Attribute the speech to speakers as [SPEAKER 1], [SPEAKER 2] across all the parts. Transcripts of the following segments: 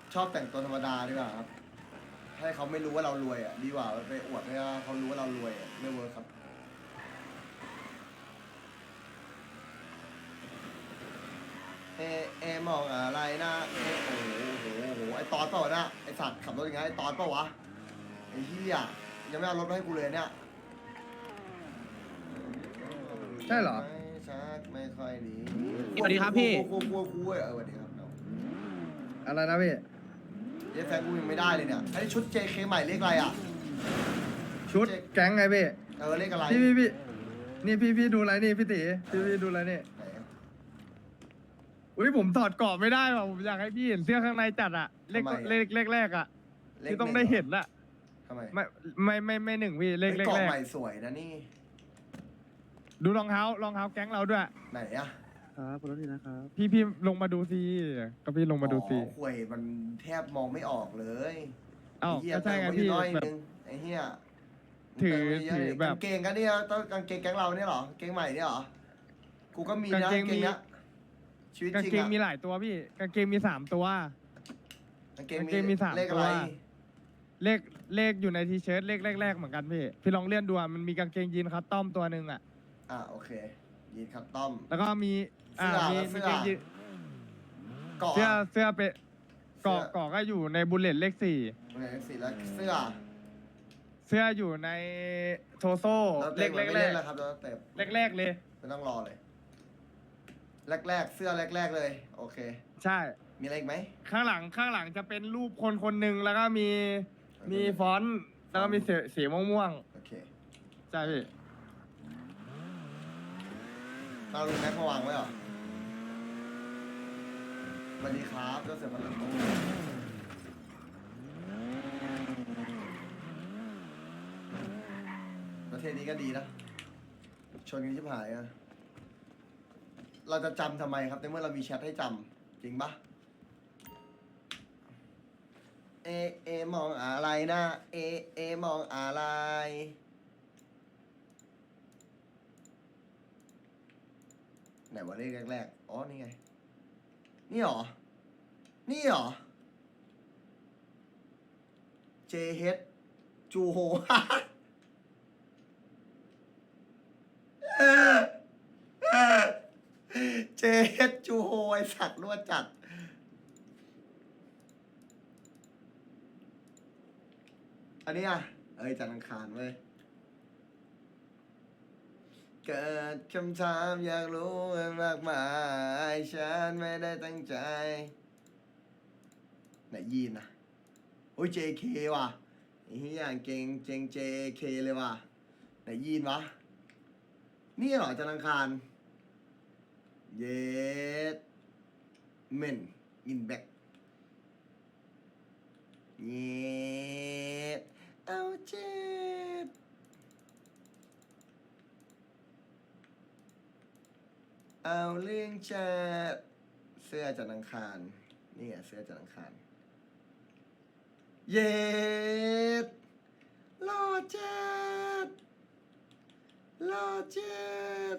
[SPEAKER 1] ชอบแต่งตัวธรรมดาดีกว่าครับให้เขาไม่รู้ว่าเรารวยอ่ะดีกว่าไปอวดให้เขารู้ว่าเรารวยอ่ะไม่เวิร์คครับเอมองอะไรนะโอ้โหไอตอนเปล่าวะนะไอสัตว์ขับรถยังไงไอตอนเปล่าวะไอเหี้ยยังไม่เอารถมาให้กูเลยเนี่ย
[SPEAKER 2] ใช่เหรอ
[SPEAKER 1] ไม่ชักไม่ค่อยดี
[SPEAKER 3] สวัสดีครับพี่
[SPEAKER 1] กูสวัสดีครับน้อง
[SPEAKER 2] อะไรนะพี่
[SPEAKER 1] เย้แฟนกูยังไม่ได้เลยเนี่ยไอ้ชุด JK ใหม่เรียกอะไรอ่ะ
[SPEAKER 2] ชุดแก๊งไงพี่
[SPEAKER 1] เรียกอะไร
[SPEAKER 2] พี่นี่พี่ดูอะไรนี่พี่ตีพี่ดูอะไรนี่
[SPEAKER 1] ไหนอะ
[SPEAKER 2] อุ้ยผมถอดกรอบไม่ได้ว่ะผมอยากให้พี่เห็นเสื้อข้างในจัดอะเลข
[SPEAKER 1] ทำไมอะ
[SPEAKER 2] เลขแรกอะ
[SPEAKER 1] เลข
[SPEAKER 2] ที่ต้องได้เห็นอะ
[SPEAKER 1] ทำไม
[SPEAKER 2] ไม่หนึ่งพี่เลข
[SPEAKER 1] ไอ้
[SPEAKER 2] แร
[SPEAKER 1] กล่อง
[SPEAKER 2] ก
[SPEAKER 1] ใหม่สวยนะนี่
[SPEAKER 2] ดูรองเท้าแก๊งเราด้วย
[SPEAKER 1] ไหนอ่ะ
[SPEAKER 3] ครับขอโทษทีนะครับ
[SPEAKER 2] พี่ลงมาดูซิก็พี่ลงมาดูซิ
[SPEAKER 1] อ๋อห่วยมันแทบมองไม่ออกเลย
[SPEAKER 2] เอ้า
[SPEAKER 1] ไเหี้ย
[SPEAKER 2] ก็ใช่ไง
[SPEAKER 1] เติมว้อยู่
[SPEAKER 2] พี่
[SPEAKER 1] น้อย
[SPEAKER 2] แบบ
[SPEAKER 1] นึงไอ้เหี้ย
[SPEAKER 2] ถือ
[SPEAKER 1] เติมไว้เยะ
[SPEAKER 2] ถือแบบ
[SPEAKER 1] กางเกงกันเนี่ยต้องกางเกงแก๊งเราเนี่ยเหรอกางเกงใหม่เนี่ยเหรอกูก็มีนะ
[SPEAKER 2] กางเกง
[SPEAKER 1] เนี้ยชีวิต
[SPEAKER 2] กาง
[SPEAKER 1] จริง
[SPEAKER 2] เกง
[SPEAKER 1] อะ
[SPEAKER 2] มีหลายตัวพี่กางเกงมี3ตัว
[SPEAKER 1] กางเกง
[SPEAKER 2] กางเกงมี3
[SPEAKER 1] เลข
[SPEAKER 2] ตั
[SPEAKER 1] อะไร
[SPEAKER 2] ว เลขอยู่ในทีเชิ้ตเลขแรกๆเหมือนกันพี่ลองเลื่อนดูอะมันมีกางเกงยีนคัสตอมตัวหนึ่งอะ
[SPEAKER 1] โอเคยีนคัตตอม
[SPEAKER 2] แล้วก็มีมี
[SPEAKER 1] เสื้อ
[SPEAKER 2] กางเกงยีน
[SPEAKER 1] เกาะ
[SPEAKER 2] เสื้อเป็น
[SPEAKER 1] เสื้อ
[SPEAKER 2] เกาะก็อยู่ในบุลเลตเลข
[SPEAKER 1] โอเคสีแล้วเสื้อ
[SPEAKER 2] 4เสื้ออยู่ในโทโซ่
[SPEAKER 1] แล้ว
[SPEAKER 2] เลข
[SPEAKER 1] ไม่
[SPEAKER 2] แร
[SPEAKER 1] เล่
[SPEAKER 2] ก
[SPEAKER 1] นแล้วครับแล้วเต็ม
[SPEAKER 2] แรกเลย
[SPEAKER 1] ไม่ต้องรอเลย แรกเสื้อแรกเลย โอเค
[SPEAKER 2] ใช่
[SPEAKER 1] มีอะไรอีกไหม
[SPEAKER 2] ข้างหลังจะเป็นรูปคนหนึ่งแล้วก็มีฟอนต์แล้วก็มีสีม่วง
[SPEAKER 1] โอเค
[SPEAKER 2] ๆใช่พี่
[SPEAKER 1] เราลุงแม็กมาวางไว้เหรอสวัสดีครับเจ้าเสือมันโอ้ประเทศนี้ก็ดีนะ ชนกันชิบหายอะเราจะจำทำไมครับในเมื่อเรามีแชทให้จำจริงปะเอมองอะไรนะเอมองอะไรไหนว่าเลขแรกๆอ๋อนี่ไงนี่หรอนี่หรอ JH จูโฮ เจเฮดจูโฮไอสัตว์รั่วจัด อันนี้อ่ะจันทร์อังคารเว้ย เกิดคำถามอยากรู้มากมายฉันไม่ได้ตั้งใจ ไหนยีนนะโอ้ย JK ว่ะไอ้เหี้ยเก่งเจง JK เลยว่ะไหนยีนวะ นี่เหรอจันทร์อังคาร เยสเมนอินแบ็กเยสเอาเจ็ดเอาเรื่องจัดเสื้อจันทร์อังคารนี่ไงเสื้อจันทร์อังคารเยสหล่อจัดหล่อจัด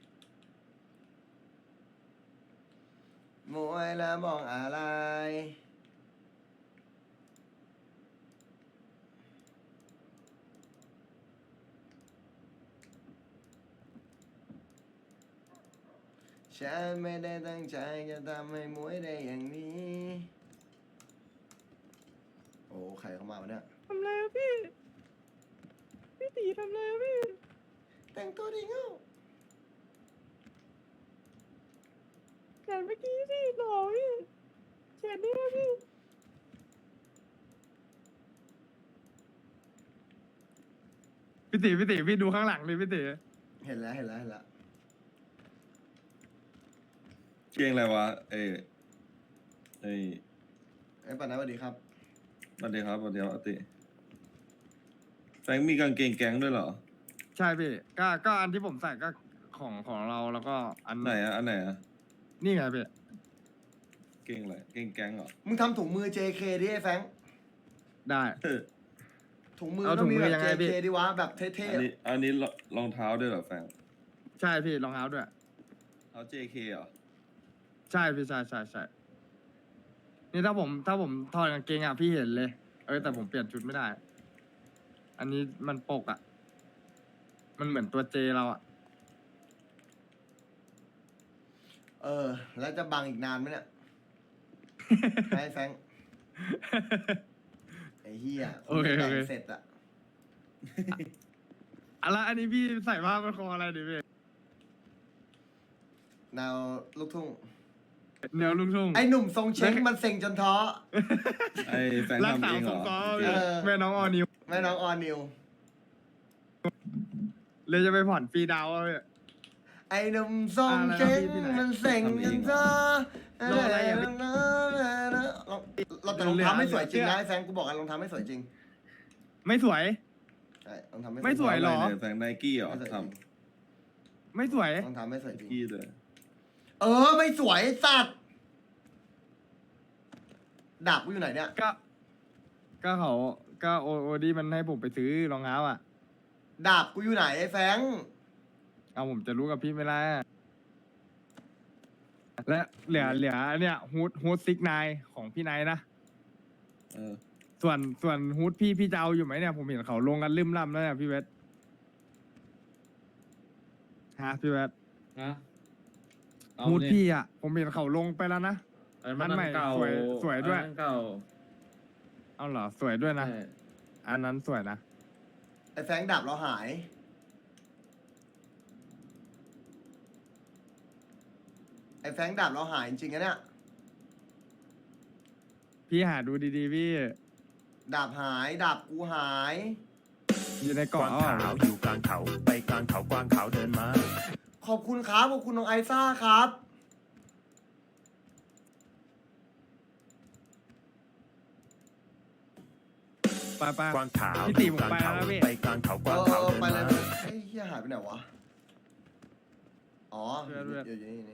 [SPEAKER 1] มวยแล้วมองอะไรฉันไม่ได้ตั้งใจจะทำให้มวยได้อย่างนี้ โอ้ใครเข้ามาวะเนี่ย
[SPEAKER 2] ทำไรอะพี่ตีทำไรอะพี่
[SPEAKER 1] แต่งตัวดีเงา
[SPEAKER 2] แขนเมื่อกี้พี่หล่อพี่แขนนี่นะพี่ตีพี่ดูข้างหลังดิพี่ตี
[SPEAKER 1] เห็นแล้วเห็นแล้วเห็นแล้ว
[SPEAKER 4] เก่งอะไรวะไอ้
[SPEAKER 1] ปันนะสวัสดีครับ
[SPEAKER 4] สวัสดีครับสวัสดีครับอติแฟงมีกางเกงแก๊งด้วยเหรอ
[SPEAKER 2] ใช่พี่ก็อันที่ผมใส่ก็ของเราแล้วก็อัน
[SPEAKER 4] ไหนอะอันไหนอะ
[SPEAKER 2] นี่ไงพี่
[SPEAKER 4] เก่งอะไรเก่งแก๊งเหรอ
[SPEAKER 1] มึงทำถุงมือ JK ดิไอ้แฟรงค์
[SPEAKER 2] ได้
[SPEAKER 1] ถุงมือ
[SPEAKER 2] เอา
[SPEAKER 1] ต้องมี
[SPEAKER 2] ถุงมื
[SPEAKER 1] แบ
[SPEAKER 2] อบ ยังไงพี่
[SPEAKER 1] JK ดิวะแบบเท่
[SPEAKER 4] อันนี้รองเท้าด้วยเหรอแฟง
[SPEAKER 2] ใช่พี่รองเท้าด้วย
[SPEAKER 4] เท้า JK เหรอ
[SPEAKER 2] ใช่พี่ใช่นี่ถ้าผมถอดกางเกงอ่ะพี่เห็นเลย แต่ผมเปลี่ยนชุดไม่ได้ อันนี้มันปกอ่ะ มันเหมือนตัวเจเราอ่ะ
[SPEAKER 1] แล้วจะบังอีกนานไหมเนี่ย ให้แฟงไอ้เหี้ย
[SPEAKER 2] โอเค
[SPEAKER 1] แต่
[SPEAKER 2] โอง เค
[SPEAKER 1] เสร็จอะ
[SPEAKER 2] อะไรอันนี้พี่ใส่ผ้าพันคออะไรดิพี่
[SPEAKER 1] แนวลูกทุ่ง
[SPEAKER 2] แนวลูกทุ่ง
[SPEAKER 1] ไอ้หนุ่มทรงเช้งมันเซ็งจนท้อ
[SPEAKER 4] ไอ้แฟง
[SPEAKER 2] รัก
[SPEAKER 4] ทำ
[SPEAKER 2] ษา
[SPEAKER 4] เองเห
[SPEAKER 2] ส
[SPEAKER 4] ร
[SPEAKER 2] ง
[SPEAKER 4] อ
[SPEAKER 2] เคราะห์
[SPEAKER 1] เออ
[SPEAKER 2] แม่น้องออนิว
[SPEAKER 1] แม่น้องออนิว
[SPEAKER 2] เลยจะไปผ่อนฟรีดาวน์เอาพี่
[SPEAKER 1] ไอ้หนุ่มทรงเช้ง
[SPEAKER 2] อะไรนะพี่ที่ไหน
[SPEAKER 1] มันเซ็งจนท้อ
[SPEAKER 2] โลอะไรอ่ะพี่
[SPEAKER 1] เราแต่รองเท้าไม่สวยจริงนะไอ้แฟงกูบอกกันรองเท้าไม่สวยจริง
[SPEAKER 2] ไม่สวย
[SPEAKER 1] ใช่รองเท้าไม่
[SPEAKER 2] ไม่สวย หรอ
[SPEAKER 4] แฟงไนกี้เหรอ
[SPEAKER 1] ไม่สวยจ
[SPEAKER 4] ท
[SPEAKER 1] ริง
[SPEAKER 2] ไม่สวย
[SPEAKER 1] รองเท้าไม่สวยจริ
[SPEAKER 4] ำ
[SPEAKER 1] ง
[SPEAKER 4] กี้เลย
[SPEAKER 1] ไม่สวยสัตว์ดาบกูอยู่ไหนเนี่ย
[SPEAKER 2] ก็เขาก็โอดีมันให้ผมไปซื้อรองเท้าอ่ะ
[SPEAKER 1] ดาบกูอยู่ไหนไอ้แฟง
[SPEAKER 2] เอาผมจะรู้กับพี่ไม่ได้และเหลือเนี่ยฮูดซิกนายของพี่นายนะ
[SPEAKER 4] เออ
[SPEAKER 2] ส่วนฮูดพี่จะเอาอยู่ไหมเนี่ยผมเห็นเขาลงกันลืมล่ำแล้วเนี่ยพี่เวทฮะพี่เวท
[SPEAKER 5] ฮะเอา
[SPEAKER 2] ฮูด
[SPEAKER 5] นี่
[SPEAKER 2] พี่อ่ะผมเห็นเขาลงไปแล้วนะ
[SPEAKER 5] อัน
[SPEAKER 2] อันใหม่
[SPEAKER 5] เก่า
[SPEAKER 2] สวยด้วย
[SPEAKER 5] อันนั้นเก่า
[SPEAKER 2] เอาเหรอสวยด้วยนะ
[SPEAKER 5] ใช่
[SPEAKER 2] อันนั้นสวยนะ
[SPEAKER 1] ไอ้แฟงดาบเราหาย ไอ้แฟงดาบเราหายจริงๆนะเนี่ย
[SPEAKER 2] พี่หาดูดีๆพี่
[SPEAKER 1] ดาบหายดาบกูหาย
[SPEAKER 2] อยู่ใน
[SPEAKER 6] ก
[SPEAKER 2] กล่อ
[SPEAKER 6] วาง งขาวอยู่กลางเขาไปกลางเขากวางขาวเดินมา
[SPEAKER 1] ขอบคุณครับขอบคุณน้องไอซ่าครับ
[SPEAKER 2] ไป
[SPEAKER 6] กวางขาว
[SPEAKER 2] พี่
[SPEAKER 6] อ
[SPEAKER 2] ตี
[SPEAKER 6] ยู่
[SPEAKER 2] ผม
[SPEAKER 6] กลาง
[SPEAKER 2] ไป
[SPEAKER 6] เขา
[SPEAKER 2] แล้วพี่
[SPEAKER 6] ไปกลางเขากวางขาวเดิน
[SPEAKER 1] ไปเลย
[SPEAKER 6] มา
[SPEAKER 1] ไอ้เหี้ยหายไปไหนวะ อ๋อ
[SPEAKER 2] เพื่อน
[SPEAKER 1] อยู่นี่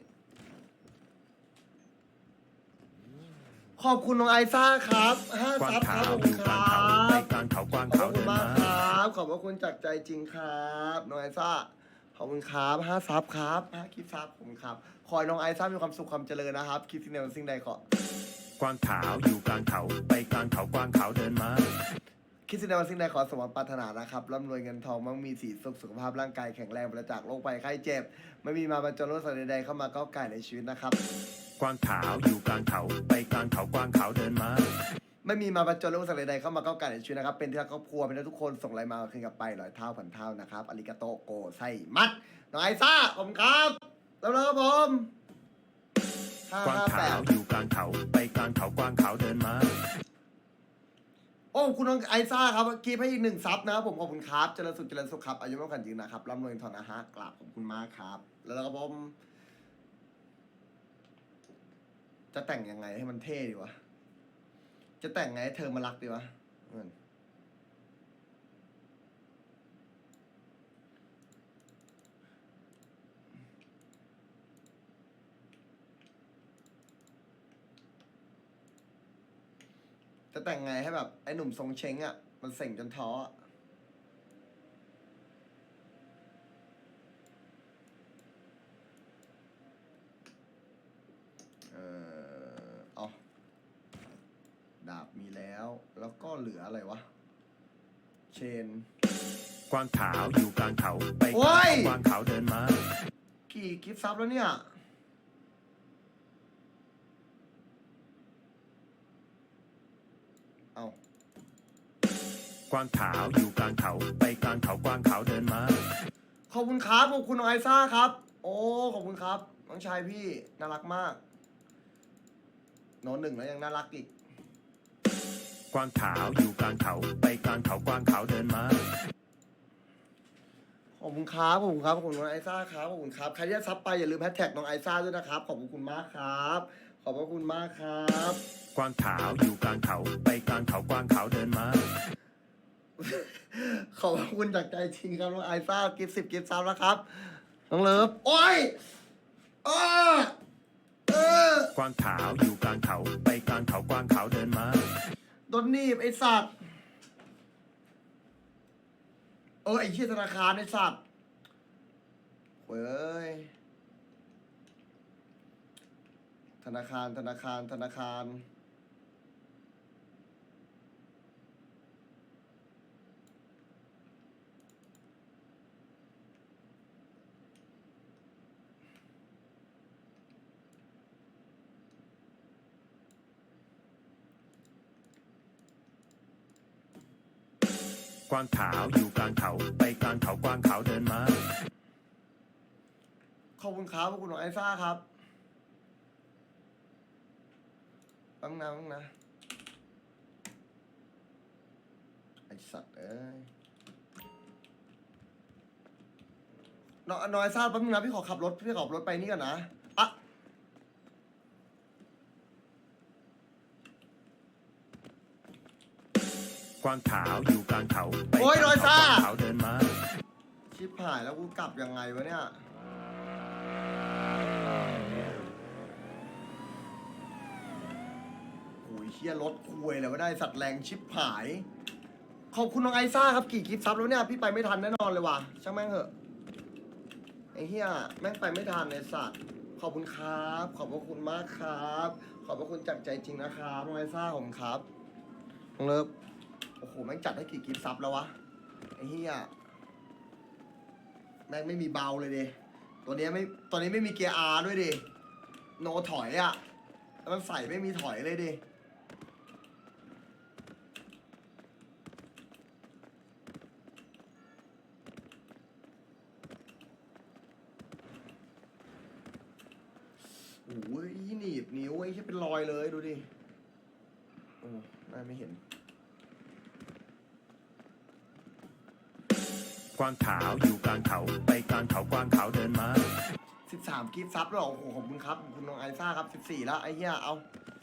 [SPEAKER 1] ขอบคุณน้องไอซ่าครับห้าก
[SPEAKER 6] วาง
[SPEAKER 1] ซับค
[SPEAKER 6] ขา
[SPEAKER 1] รับ
[SPEAKER 6] ว
[SPEAKER 1] ขอบ
[SPEAKER 6] อ
[SPEAKER 1] คุณ
[SPEAKER 6] ยู่
[SPEAKER 1] ค
[SPEAKER 6] กลาง
[SPEAKER 1] รั
[SPEAKER 6] เขาไป
[SPEAKER 1] บ
[SPEAKER 6] กลางเขากวาง
[SPEAKER 1] ขอบ
[SPEAKER 6] ขาว
[SPEAKER 1] คุ
[SPEAKER 6] เดิ
[SPEAKER 1] ณ
[SPEAKER 6] น
[SPEAKER 1] มาก
[SPEAKER 6] มา
[SPEAKER 1] ครับ ขอบพระคุณจากใจจริงครับน้องไอซ่า ขอบคุณครับห้าซับครับห้าคลิปซับขอบคุณครับ ขอให้น้องไอซ่ามีความสุขความเจริญนะครับ คิดสิ่งใดสิ่งใดขอ
[SPEAKER 6] กวางขาวอยู่กลางเขาไปกลางเขากวางขาวเดินมา
[SPEAKER 1] คิดสิ่งใดสิ่งใดขอสมหวังปรารถนานะครับร่ำรวยเงินทองมั่งมีสีสุขสุขภาพร่างกายแข็งแรงปราศจากโรคภัยไข้เจ็บ ไม่มีมาบรรจงโรคสัตว์ใดๆเข้ามาก้าวไก่ในชีวิตนะครับ
[SPEAKER 6] กวางขาวอยู่กลางเขาไปกลางเขากวางขาวเดินมา
[SPEAKER 1] ไม่มีมาบรรจงโรคสัตว์ใดๆเข้ามาก้าวไก่ในชีวิตนะครับ เป็นที่รักครอบครัวเป็นที่รักทุกคนส่งไลน์มาคืนกลับไป100 เท่าพันเท่านะครับอาริกาโตโกไซมัดน้องไอซ่าขอบคุณครับแล้วครับผม
[SPEAKER 6] กวางขาวอยู่กลางเขาไปกลางเขากวางขาวเดินมา
[SPEAKER 1] โอ้คุณน้องไอซ่าครับกีบให้อีก1 ซับนะครับผมขอบคุณครับเจริญสุขเจริญสุขครับอายุมากขวัญยืนนะครับร่ำรวยเงินทองนะฮะกราบขอบคุณมากครับแล้วครับผมจะแต่งยังไงให้มันเท่ดีวะจะแต่งไงให้เธอมารักดีวะเงินจะแต่งไงให้แบบไอ้หนุ่มทรงเช้งอ่ะมันเส็งจนท้ออะเอาดาบมีแล้ว แล้วก็เหลืออะไรวะ เชน
[SPEAKER 6] กวางขาวอยู่กลางเขาไปก
[SPEAKER 1] โอ้
[SPEAKER 6] ลาง
[SPEAKER 1] ย
[SPEAKER 6] เขากวางขาวเดินมา
[SPEAKER 1] กี่กิฟต์ซับแล้วเนี่ย เอา
[SPEAKER 6] กวางขาวอยู่กลางเขาไปกลางเขากวางขาวเดินมา
[SPEAKER 1] ขอบคุณครับ ขอบคุณน้องไอซ่าครับ โอ้ ขอบคุณครับ น้องชายพี่ น่ารักมากโน้ต1แล้วยังน่ารักอีก
[SPEAKER 6] กวางขาวอยู่กลางเขาไปกลางเขากวางขาวเดินมา
[SPEAKER 1] ขอบคุณครับ ขอบคุณครับ ขอบคุณน้องไอซ่าครับ ขอบคุณครับ ใครที่จะซับไปอย่าลืมแฮชแท็กน้องไอซ่าด้วยนะครับ ขอบคุณมากครับ ขอบพระคุณมากครับ
[SPEAKER 6] กวางขาวอยู่กลางเขาไปกลางเขากวางขาวเดินมา
[SPEAKER 1] ขอบคุณจากใจจริงครับน้องไอซ่ากิฟต์10 กิฟต์ซับแล้วครับ น้องเลิฟ โอ้ยอ้า
[SPEAKER 6] กวางขาวอยู่กลางเขาไปกลางเขากวางขาวเดินมา
[SPEAKER 1] โดนหนีบไอสัตว์ ไอเชี่ยธนาคารไอสัตว์เว้ย ธนาคาร
[SPEAKER 6] กวางขาวอยู่กลางเขาไปกลางเขากวางขาวเดินมา
[SPEAKER 1] ขอบคุณครับขอบคุณน้องไอซ่าครับแป๊บนึงนะไอสัตว์เอ้ยน้องไอซ่าแป๊บนึงนะพี่ขอขับรถไปนี่ก่อนนะอะ
[SPEAKER 6] กวางขาวอยู่กลางเขาไป
[SPEAKER 1] โอ้ย
[SPEAKER 6] กลาง
[SPEAKER 1] น้อย
[SPEAKER 6] เขา
[SPEAKER 1] ซ่า
[SPEAKER 6] กวางขาวเดินมา
[SPEAKER 1] ชิบหายแล้วกูกลับยังไงวะเนี่ยโอ้ยเชี่ยรถคุยแล้วก็ได้สัตว์แรงชิบหาย ขอบคุณน้องไอซ่าครับกี่คลิปซับแล้วเนี่ยพี่ไปไม่ทันแน่นอนเลยว่ะช่างแม่งเหอะไอ้เหี้ยแม่งไปไม่ทันในสัตว์ขอบคุณครับขอบพระคุณมากครับ ขอบพระคุณจากใจจริงนะครับน้องไอซ่าขอบคุณครับน้องเลิฟโอ้โหแม่งจัดให้กี่คลิปซับแล้ววะไอ้เหี้ยแม่งไม่มีเบาเลยดิตัวนี้ไม่มีเกียร์ R ด้วยดิโนถอยอ่ะแล้วมันใส่ไม่มีถอยเลยดิโอ้ยหนีบนิ้วไอ้ที่เป็นรอยเลยดูดิโอ้ไม่เห็น
[SPEAKER 6] กวางขาวอยู่กลางเขาไปกลางเขากวางขาวเดินมา
[SPEAKER 1] 13กิฟต์ซับแล้วเหรอโอ้โหขอบคุณครับขอบคุณน้องไอซ่าครับ14แล้วไอ้เหี้ยเอา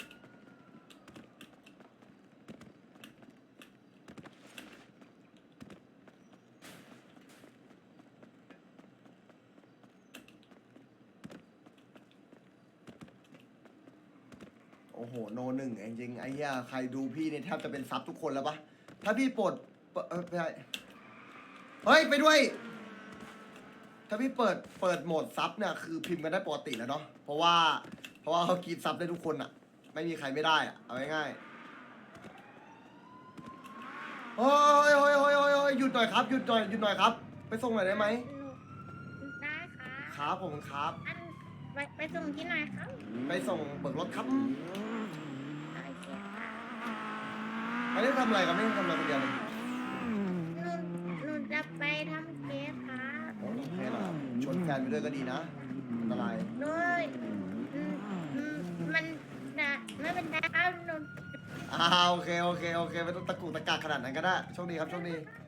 [SPEAKER 1] โอ้โหโนหนึ่งจริงๆไอ้เหี้ยใครดูพี่เนี่ยแทบจะเป็นซับทุกคนแล้วปะถ้าพี่ปลดไม่ใช่เฮ้ยไปด้วย ถ้าพี่เปิดโหมดซับเนี่ยคือพิมพ์กันได้ปกติแล้วเนาะเพราะว่าเขากรีดซับได้ทุกคนอะไม่มีใครไม่ได้อะเอาง่ายๆโอ้ยหยุดหน่อยครับหยุดหน่อยครับ ไปส่งหน่อยได้ไหม
[SPEAKER 7] ได้ค่ะ
[SPEAKER 1] ครับผมครับ
[SPEAKER 7] อันไปส่งที่ไหนครับ
[SPEAKER 1] ไปส่งเบิกรถครับ
[SPEAKER 7] โอเคค่ะ
[SPEAKER 1] ไม่ได้ทำอะไรครับไม่ได้ทำอะไรคนเดียวเลย
[SPEAKER 7] หนูจะไปทำเค้กค่ะ
[SPEAKER 1] โอเคเหรอชวนแฟนไปด้วยก็ดีนะอันตราย
[SPEAKER 7] หนูมันจะไม่เป็นไรครับหนู
[SPEAKER 1] โอเคไม่ต้องตะกุกตะกักขนาดนั้นก็ได้โชคดีครับโชคดี
[SPEAKER 7] ห